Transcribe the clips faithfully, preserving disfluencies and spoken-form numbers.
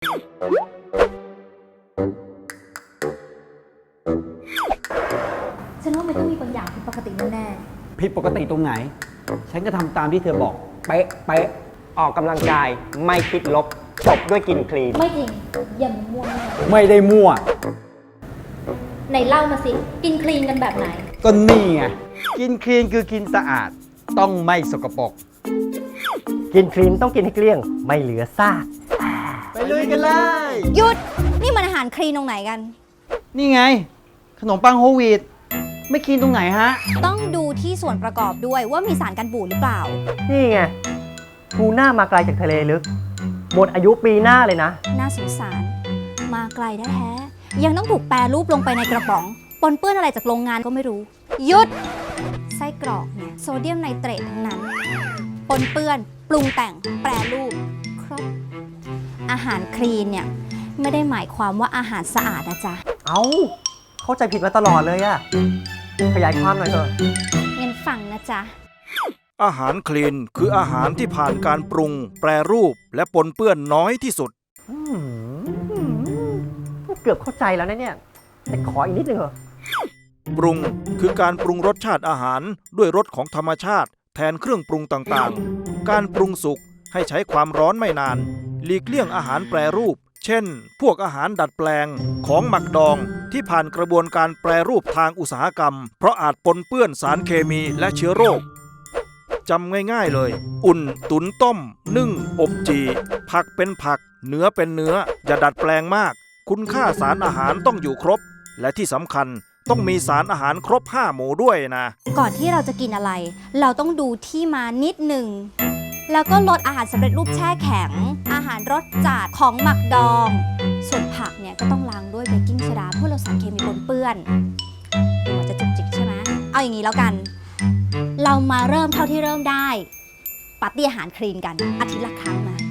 ฉันว่ามันต้องมีบางอย่างผิดปกติแน่ผิดปกติตรงไหน ฉันก็ทำตามที่เธอบอก เป๊ะเป๊ะออกกำลังกายไม่คิดลบจบด้วยกินคลีนๆไม่จริงอย่ามั่วแน่ไม่ได้มั่วไหนเล่ามาสิกินคลีนกันแบบไหนก็นี่ไง กินคลีนคือกินสะอาด ต้องไม่สกปรกกินคลีนต้องกินให้เกลี้ยงไม่เหลือซากไปลุยกันเลยหยุด นี่มันอาหารคลีนตรงไหนกันนี่ไง ขนมปังโฮลวีตไม่คลีนตรงไหนฮะต้องดูที่ส่วนประกอบด้วยว่ามีสารกันบูดหรือเปล่านี่ไงทูน่ามาไกลจากทะเลลึก หมดอายุปีหน้าเลยนะน่าสงสาร มาไกลแท้ๆยังต้องถูกแปรรูปลงไปในกระป๋อง ปนเปื้อนอะไรจากโรงงานก็ไม่รู้ หยุด ไส้กรอกเนี่ยโซเดียมไนเตรตทั้งนั้น ปนเปื้อน ปรุงแต่ง แปรรูป ครบ อาหารคลีนเนี่ยไม่ได้หมายความว่าอาหารสะอาดนะจ๊ะเอา้า เข้าใจผิดมาตลอดเลยอะขยายความหน่อยเถอะงั้นฟังนะจ๊ะอาหารคลีนคืออาหารที่ผ่านการปรุง แปรรูปและปนเปื้อนน้อยที่สุดอืมเกือบเข้าใจแล้วนะเนี่ย แต่ขออีกนิดนึงเหรอปรุงคือการปรุงรสชาติอาหารด้วยรสของธรรมชาติแทนเครื่องปรุงต่างๆ การปรุงสุกให้ใช้ความร้อนไม่นาน หลีกเลี่ยงอาหารแปรรูป เช่น พวกอาหารดัดแปลงของหมักดองที่ผ่านกระบวนการแปรรูปทางอุตสาหกรรม เพราะอาจปนเปื้อนสารเคมีและเชื้อโรค จำง่ายๆเลย อุ่น ตุ๋นต้ม นึ่ง อบจี ผักเป็นผัก เนื้อเป็นเนื้อ อย่าดัดแปลงมาก คุณค่าสารอาหารต้องอยู่ครบ และที่สำคัญต้องมีสารอาหารครบห้าหมู่ด้วยนะก่อนที่เราจะกินอะไร เราต้องดูที่มานิดหนึ่ง แล้วก็ลดอาหารสำเร็จรูปแช่แข็ง อาหารรสจัดของหมักดอง ส่วนผักเนี่ยก็ต้องล้างด้วยเบกกิ้งโซดาเพื่อลดสารเคมีปนเปื้อนดูเหมือนจะจุกจิกใช่ไหมเอาอย่างนี้แล้วกัน เรามาเริ่มเท่าที่เริ่มได้ปาร์ตี้อาหารคลีนกันอาทิตย์ละครั้งนะ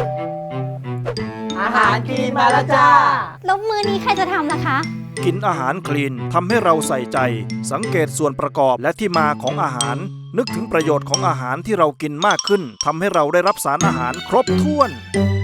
อาหารคลีนมาแล้วจ้าแล้วมื้อนี้ใครจะทำล่ะคะกินอาหารคลีนทำให้เราใส่ใจ สังเกตส่วนประกอบและที่มาของอาหาร นึกถึงประโยชน์ของอาหารที่เรากินมากขึ้นทำให้เราได้รับสารอาหารครบถ้วน